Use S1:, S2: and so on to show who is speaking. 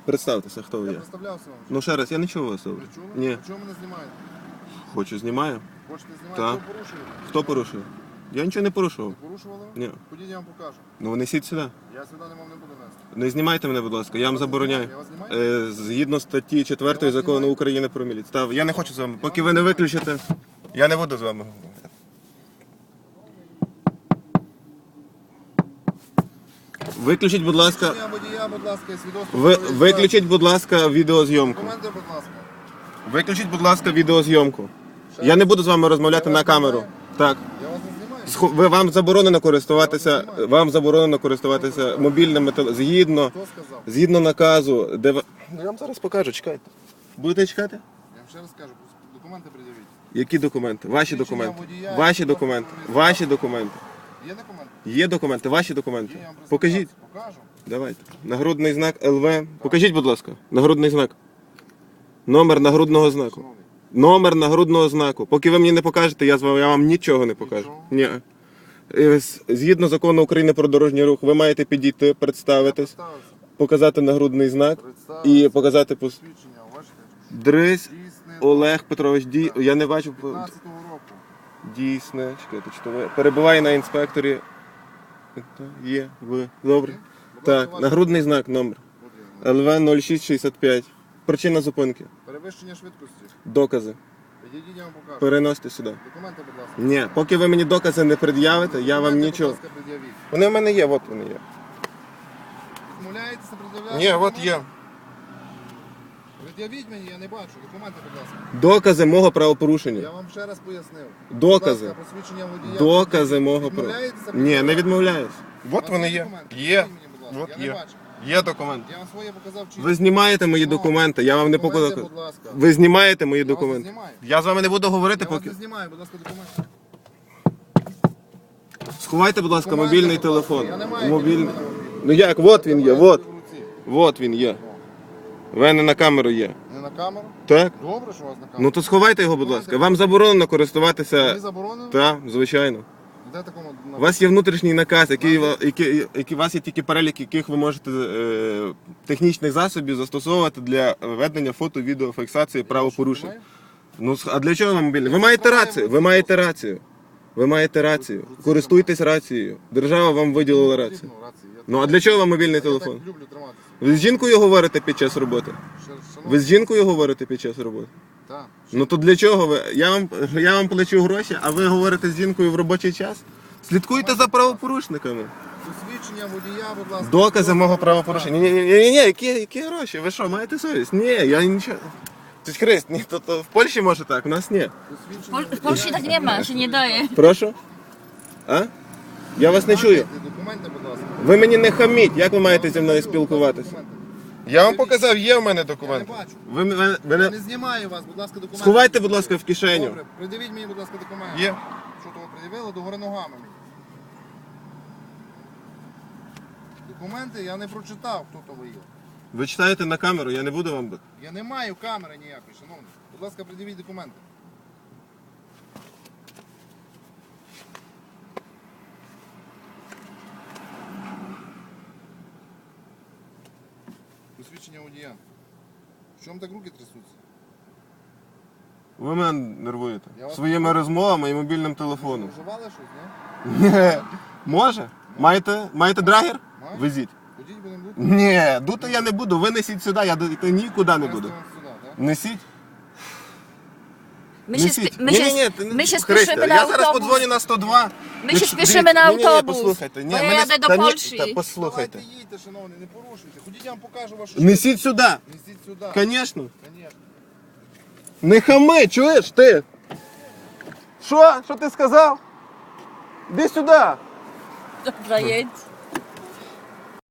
S1: Представтеся, хто ви
S2: Я
S1: є.
S2: представлявся вам.
S1: Ну ще раз, я не чув вас.
S2: Ви чули?
S1: Ні.
S2: А чого мене знімаєте?
S1: Хочу, знімаю.
S2: Хочете знімати?
S1: Так.
S2: Що порушуєте?
S1: Хто порушив? Я нічого не порушував.
S2: Не порушували?
S1: Ні.
S2: Ходіть, я вам покажу.
S1: Ну несіть сюди.
S2: Я сюди не вам не буду нести.
S1: Не знімайте мене, будь ласка, я вам забороняю.
S2: Я вас знімаю?
S1: Згідно статті 4
S2: вас
S1: закону
S2: знімаю?
S1: України про міліцію. Я не хочу з вами. Поки ви не виключите, я не буду з вами говорити. Виключіть, будь ласка,
S2: Свідчення водія, будь ласка, і свідоцтво про реєстрацію.
S1: виключіть, будь ласка, відеозйомку.
S2: Документи, будь ласка.
S1: Виключіть, будь ласка, відеозйомку. Я не буду з вами розмовляти
S2: Я
S1: на
S2: вас
S1: камеру.
S2: знімаю?
S1: Так.
S2: Я вас не знімаю.
S1: Вам заборонено користуватися мобільними телефонами.
S2: Хто сказав?
S1: Згідно наказу, де ви... Я вам зараз покажу, чекайте. Будете чекати?
S2: Я вам ще раз кажу, документи пред'явіть.
S1: Які документи? Ваші
S2: Свідчення
S1: документи.
S2: водія,
S1: Ваші
S2: свідоцтво
S1: документи.
S2: про
S1: Ваші документи.
S2: Є документи?
S1: Є документи, ваші
S2: Є,
S1: документи.
S2: я вам представлявся.
S1: Покажіть.
S2: Покажу.
S1: Давайте. Нагрудний знак ЛВ. Покажіть, будь ласка. Нагрудний знак. Номер нагрудного знаку.
S2: Шановний,
S1: Номер нагрудного знаку. Поки ви мені не покажете, я вам нічого не покажу.
S2: Нічого?
S1: Ні. Згідно закону України про дорожній рух, ви маєте підійти, представитись,
S2: представився.
S1: показати нагрудний знак
S2: Представився.
S1: і показати
S2: Свідчення, бачите?
S1: Дрись
S2: Дійсне.
S1: Олег Петрович Я не бачу.
S2: 15-го року.
S1: Дійсне. Чекайте, чи то ви перебуває на інспекторі. Є, ви. Добре.
S2: Будь
S1: Так,
S2: ласка, ваш-
S1: нагрудний знак, номер.
S2: От він.
S1: ЛВ 0665. Причина зупинки.
S2: Перевищення швидкості.
S1: Докази.
S2: Підійдіть, я вам покажу.
S1: Переносьте сюди.
S2: Документи, будь ласка.
S1: Ні, поки ви мені докази не пред'явите, я вам
S2: Документи,
S1: нічого.
S2: Будь ласка, пред'явіть.
S1: Вони в мене є, от вони є.
S2: Відмовляєтеся пред'являти?
S1: Ні, от
S2: документи?
S1: є.
S2: Пред'явіть мені, я не бачу. Документи, будь ласка.
S1: Докази мого
S2: Я
S1: правопорушення.
S2: вам ще раз пояснив.
S1: Докази.
S2: Будь ласка, посвідчення водія.
S1: Докази мого
S2: Відмовляєтеся
S1: правопорушення. Ні, не відмовляюсь.
S2: У
S1: От
S2: вас
S1: вони є.
S2: документи?
S1: Є.
S2: Покажіть мені, будь ласка.
S1: От
S2: Я
S1: є.
S2: не бачу.
S1: Є документи.
S2: Я вам своє показав чітко.
S1: Ви знімаєте мої документи, я вам не
S2: Документи,
S1: показав.
S2: будь ласка.
S1: Ви знімаєте мої
S2: Я вас не
S1: документи.
S2: знімаю.
S1: Я з вами не буду говорити,
S2: Я вас
S1: поки.
S2: не знімаю, будь ласка, документи.
S1: Сховайте, будь ласка,
S2: Документи,
S1: мобільний
S2: будь ласка.
S1: телефон.
S2: Я не маю
S1: Мобільний.
S2: телефона мобільного.
S1: Ну як, от він є, от.
S2: В руці.
S1: От він є. В мене на камеру є.
S2: Не на камеру?
S1: Так?
S2: Добре, що у вас на камеру.
S1: Ну то сховайте його, будь ласка. Вам заборонено користуватися.
S2: Ви заборонено?
S1: Так, звичайно.
S2: Де такому?
S1: У вас є внутрішній наказ, у вас є тільки перелік, яких ви можете технічних засобів застосовувати для ведення фото-відеофіксації правопорушень. Ну а для чого вам мобільний? Ви маєте рацію. Ви маєте рацію. Ви маєте рацію. Користуйтесь рацією. Держава вам виділила рацію. Ну а для чого вам мобільний телефон?
S2: Я так люблю триматися.
S1: Ви з жінкою говорите під час роботи? Ви з жінкою говорите під час роботи?
S2: Так.
S1: Ну то для чого ви? Я вам плачу гроші, а ви говорите з жінкою в робочий час? Слідкуйте за правопорушниками.
S2: Посвідчення водія, будь ласка.
S1: Докази мого правопорушення. Ні, які гроші? Ви що, маєте совість? Ні, я нічого. Тетя Христ, ні, то в Польщі може так, у нас ні.
S2: Посвідчення
S3: W Polsce tak nie ma, się nie daje.
S1: Прошу? А? Я вас не чую.
S2: Документи, будь ласка.
S1: Ви мені не хаміть, як ви маєте зі мною спілкуватися?
S2: Документи.
S1: Я вам показав, є в мене
S2: Я
S1: документи.
S2: не бачу.
S1: Ви
S2: Я
S1: мене...
S2: не знімаю вас, будь ласка, документи.
S1: Сховайте, будь ласка, в кишеню.
S2: Добре, придивіть мені, будь ласка, документи.
S1: Є.
S2: Що того пред'явили, догори ногами мені. Документи я не прочитав, хто то ви є.
S1: Ви читаєте на камеру, я не буду вам...
S2: Я не маю камери ніякої, шановний. Будь ласка, придивіть документи. Посвідчення водія. В чому так руки трясуться?
S1: Ви мене нервуєте.
S2: Я вас
S1: Своїми розмовами і мобільним телефоном.
S2: Вживали щось, ні?
S1: Ні. Може? Маєте драгер?
S2: Маю.
S1: Везіть.
S2: Ходіть, будемо бути.
S1: Ні, дути я не буду. Ви несіть сюди, я йти нікуди не буду.
S2: Сюди, так?
S1: Несіть.
S3: My się,
S1: Несіть.
S3: my się, my się spieszymy na
S1: Я зараз
S3: autobus.
S1: подзвоню на 102.
S3: My się spieszymy na
S1: Ні,
S3: autobus.
S1: послухайте. Ні,
S3: Bo ja
S1: мене-
S3: jadę do
S1: та ні,
S3: Polski.
S1: та послухайте.
S2: Давайте їдьте, шановний, не порушуйте. Ходіть, я вам покажу вашу
S1: Несіть сюди.
S2: Несіть сюди.
S1: Звісно.
S2: Конечно.
S1: Не хами, чуєш ти? Що? Що ти сказав? Іди сюди.
S3: Dobra, jedź.